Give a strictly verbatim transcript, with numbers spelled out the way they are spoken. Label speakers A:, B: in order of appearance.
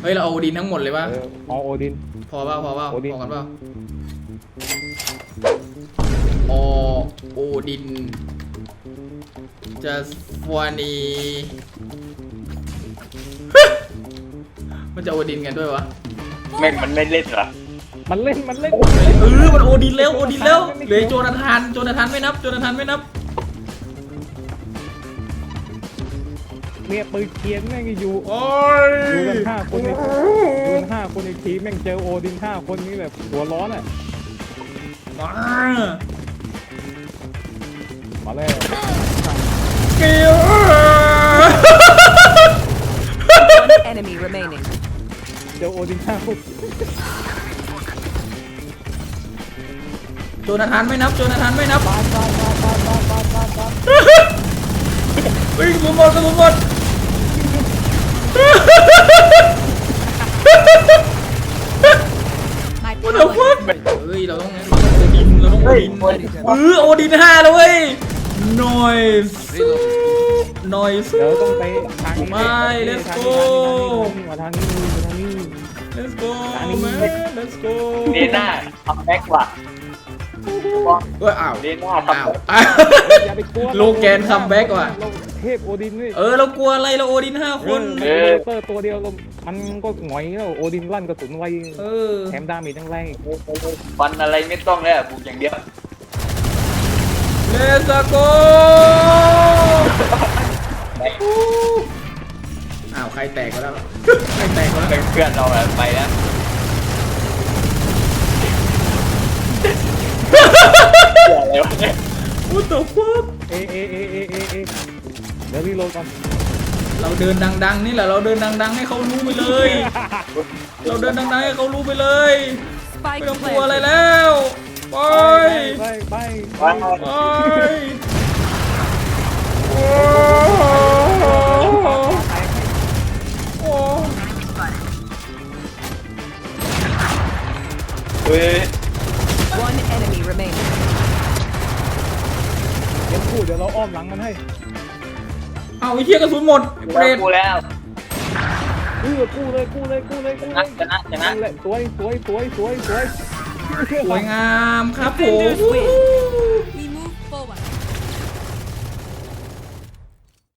A: เฮ้ยเราเอาโอดินทั้งหมดเลยป่ะ
B: เออเอาโอดิน
A: พอป่ะพอป่ะ
B: โอดิน
A: พอกันป่ะอโอดินจะฟวานี มันจะโอดินกันด้วยวะ
C: แม่งมันไม่เล่นเหรอ
B: มันเล่นมันเล่น
A: เออมันโอดินแล้วโอดินแล้วเหลือโจนาธานโจนาธานไม่นับโจนาธานไม่นับ
B: เนี่ยปืนเกียนแม่งอยู่
A: โอ้ย
B: อยู่กันห้าคนในอยู่กันห้าคนในทีมแม่งเจอโอดินห้าคนนี้แบบหัวร้อนอ่ะ
A: มา
B: มาแล้ว
A: เกียว
D: One enemy remaining.
B: เจอโอดินห้าคน
A: โจนาธานไม่นับโจนาธานไม่นับ
B: บ้านบ้านบ้านบ้านบ้านบ้านบ้านบ้าน
A: เฮ้ยสมบติสมบติ
D: My
A: ว่าเดี๋ยวฟักเฮ้ยเราต้องเราต้องโอดินเราต้องโอดินเออโอดินห้าแล้วเว้ยหน่อยหน่อย
B: เดี๋ยวต้องไปทางนี้
A: ไม่ let's go
B: มาทางนี้มาทางนี้
A: let's go
B: อันนี้
A: man let's go
C: เดน่าคัมแบ็กว่ะ
A: เอ้ยอ้าว
C: เดน่าคัม
A: อ้าว
C: แบ็ก
A: อ้าว
B: อย่าไปกลัว
A: โลแกนคัมแบ็กว่ะ
B: เทพโอดินนี่
A: เออเรากลัวอะไรเราโอดินห้าคน
B: เออเตอร์ตัวเดียวมันก็หงอยแล้วโอดินลั่นกระสุนไว
A: เออ
B: แถมดาเมจทั้งแรงอีก
C: ฟันอะไรไม่ต้องแล้วบุกอย่างเดียว
A: let's go อ้าวใครแตกก็แล้วใครแตกก็แล้ว
C: เป็นเพื่อนเราแบบไปแล้วอะไรวะเนี่ย
A: What the fuck
B: เอเอเอเอเอเอเดี๋ยวรีโหลดก่อน
A: เราเดินดังๆนี่แหละเราเดินดังๆให้เขารู้ไปเลย เราเดินดังๆให้เขารู้ไปเลยไม่
D: spike
A: ต้องกลัวอะไร
D: planted.
A: แล้วไป
B: ไปไป
C: ไป
A: ไปโอ้โอ้
C: เฮ้ย
D: One enemy remaining.
B: เดี๋ยวพูดเดี๋ยวเราอ้อมหลังมันให้
A: เอาไอ้เหี้ยกระสุนหมดไอ้เปรต
C: กูแล้ว
B: เออกู้เลยกู้เลยกู้เลยกู้
C: ช
B: เล
C: นะ
B: ย
C: ชนะชนะ
B: นั่นแหละสวยสวยสวยสวยสวย
A: สวยงามครับผม
D: Defenders win.